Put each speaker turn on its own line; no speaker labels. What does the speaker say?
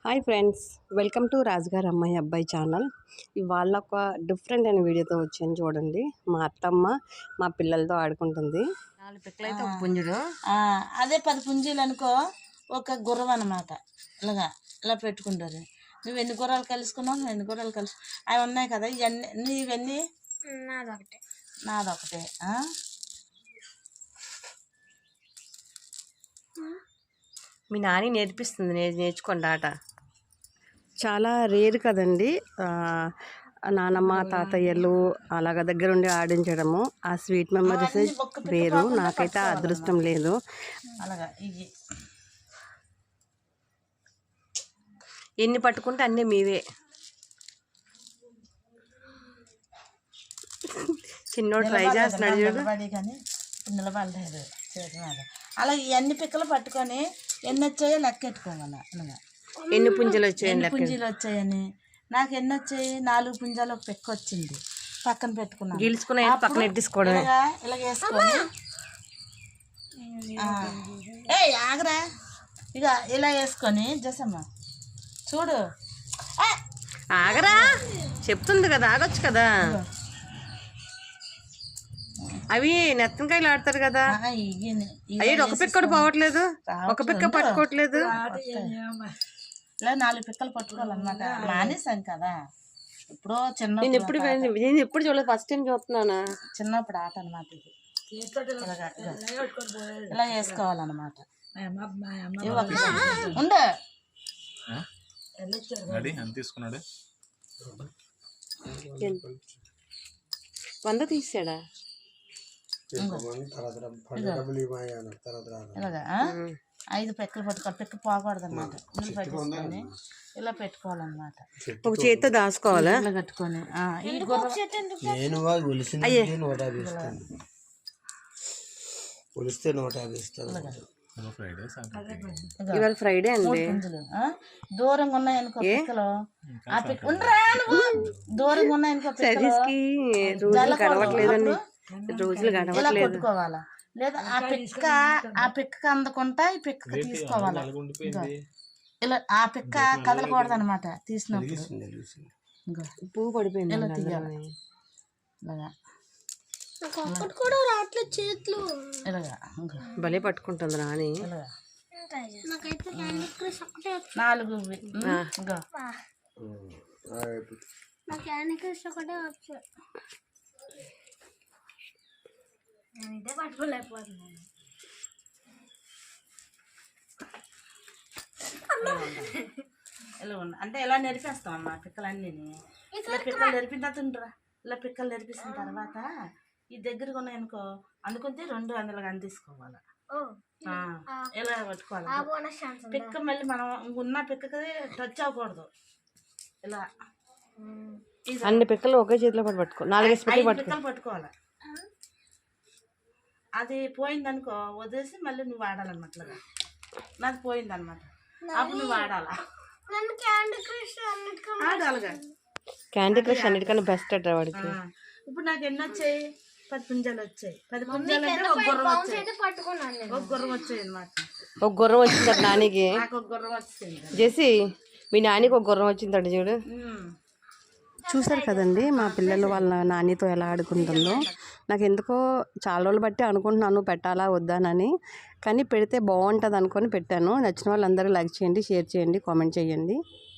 Hi friends, welcome to రాజుగారి అమ్మాయి అబ్బాయి ఛానల్. ఇవాళ ఒక డిఫరెంట్ అయిన వీడియోతో వచ్చాను. చూడండి, మా అత్తమ్మ మా పిల్లలతో ఆడుకుంటుంది. 4 పిక్కలైతే ఒక పుంజుడు,
అదే 10 పుంజీలు అనుకో, ఒక గుర్రం అనమాట. ఇలా పెట్టుకుంటారు. నువ్వు ఎన్ని గుర్రాలు కలుసుకున్నావు, నువ్వు ఎన్ని గుర్రాలు కలుసు అవి ఉన్నాయి కదా. ఇవన్నీ ఇవన్నీ నాదొకటే.
మీ నాని నేర్పిస్తుంది, నేర్చుకోండి ఆట. చాలా రేర్ కదండి నానమ్మ తాతయ్యలు అలాగ దగ్గరుండి ఆడించడము. ఆ స్వీట్ మెమరీస్ వేరు. నాకైతే ఆ అదృష్టం లేదు.
అలాగా ఇవి
ఎన్ని పట్టుకుంటే అన్నీ మీవే. చిన్నోడు ట్రై చేస్తున్నాడు చూడు.
కానీ నిలబడలేదు చేతి మీద. అలా ఎన్ని పిక్కలు పట్టుకొని ఎన్ని వచ్చాయో లెక్కెట్టుకోమన్నా.
ఎన్ని పుంజలు వచ్చాయి,
పుంజీలు వచ్చాయని. నాకు ఎన్ని వచ్చాయి? 4 పుంజాలు ఒక పిక్క వచ్చింది. పక్కన పెట్టుకున్నాను.
గీల్చుకున్నా పక్కన ఎట్టేసుకోవడం.
ఇలా వేసుకొని ఆగరా, ఇక ఇలా వేసుకొని జసమ్మ చూడు.
ఆగరా చెప్తుంది కదా, ఆగొచ్చు కదా. అవి నెత్తనకాయలు ఆడతారు కదా. అయ్యి ఒక పిక్క కూడా పోవట్లేదు, ఒక పిక్క పట్టుకోవట్లేదు.
ఇలా 4 పిక్కలు పట్టుకోవాలన్నమాట. మానేసాను కదా ఇప్పుడు.
నేను ఎప్పుడు చూడలేదు, ఫస్ట్ టైం చూస్తున్నాను.
చిన్నప్పుడు ఆట అనమాట ఇది. ఇలా వేసుకోవాలన్నమాట. ఉండు
తీసుకున్నాడు
100 తీసాడా.
ఇలాగా 5 పిక్కలు పట్టుకోవాలి. పిక్క పోకూడదు అనమాట. నీళ్ళు పట్టుకొని ఇలా పెట్టుకోవాలన్నమాట.
ఒక చేతితో దాచుకోవాలా
ఇలా కట్టుకొని.
ఇవాళ ఫ్రైడే అండి.
దూరంగా ఉన్నాయనుకో పిక్కలు. ఆ పిక్క దూరంగా ఉన్నాయనుకో
రోజులు గడవట్లేదండి, రోజులు
ఇలా కొట్టుకోవాలా. లేదా ఆ పిక్క అందకుండా ఈ పిక్క తీసుకోవాలా. ఇలా ఆ పిక్క కదలకూడదు అనమాట. తీసినప్పుడు
పువ్వు పడిపోయింది.
ఇలా తీయాలి. ఇలాగా ఇలాగా
భలే పట్టుకుంటుంది రాని.
4
ఇదే పట్టుకోలేకపోతున్నాను.
ఇలా ఉన్నా అంటే ఇలా నెరిపేస్తాం అమ్మా పిక్కలన్నీ. ఇలా పిక్కలు నెరిపిన తర్వాత ఉండరా. ఇలా పిక్కలు నెరిపిసిన తర్వాత ఈ దగ్గరగా ఉన్నాయనుకో, అందుకుంటే 2 అందులో తీసుకోవాలి. ఇలా పట్టుకోవాలి. పిక్క మళ్ళీ మనం ఉన్న పిక్కకి టచ్ అవ్వకూడదు. ఇలా
అన్ని పిక్కలు ఒకే చేతిలో పట్టుకో. 4
పిక్కలు పట్టుకోవాలి. అది పోయిందనుకో వదిలేసి మళ్ళీ నువ్వు వాడాలన్నమాట. నాకు పోయిందనమాట. అప్పుడు నువ్వు వాడాలా.
క్యాండీ క్రష్ అన్నిటికన్నా బెస్ట్ అట్రా వాడికి.
ఇప్పుడు నాకు ఎన్ని వచ్చాయి? 10 పుంజాలు వచ్చాయి. 10 పుంజాలు అంటే ఒక గుర్రం వచ్చాయి. ఒక గుర్రం వచ్చాయి అనమాట.
ఒక గుర్రం వచ్చింది నానికి.
నాకు ఒక గుర్రం వచ్చింది.
చేసి మీ నానికి ఒక గుర్రం వచ్చిందట చూడు. చూసారు కదండి మా పిల్లలు వాళ్ళ నానితో ఎలా ఆడుకుంటుందో. నాకు ఎందుకో చాలా రోజులు బట్టి అనుకుంటున్నాను పెట్టాలా వద్దానని, కానీ పెడితే బాగుంటుంది అనుకొని పెట్టాను. నచ్చిన వాళ్ళందరూ లైక్ చేయండి, షేర్ చేయండి, కామెంట్ చేయండి.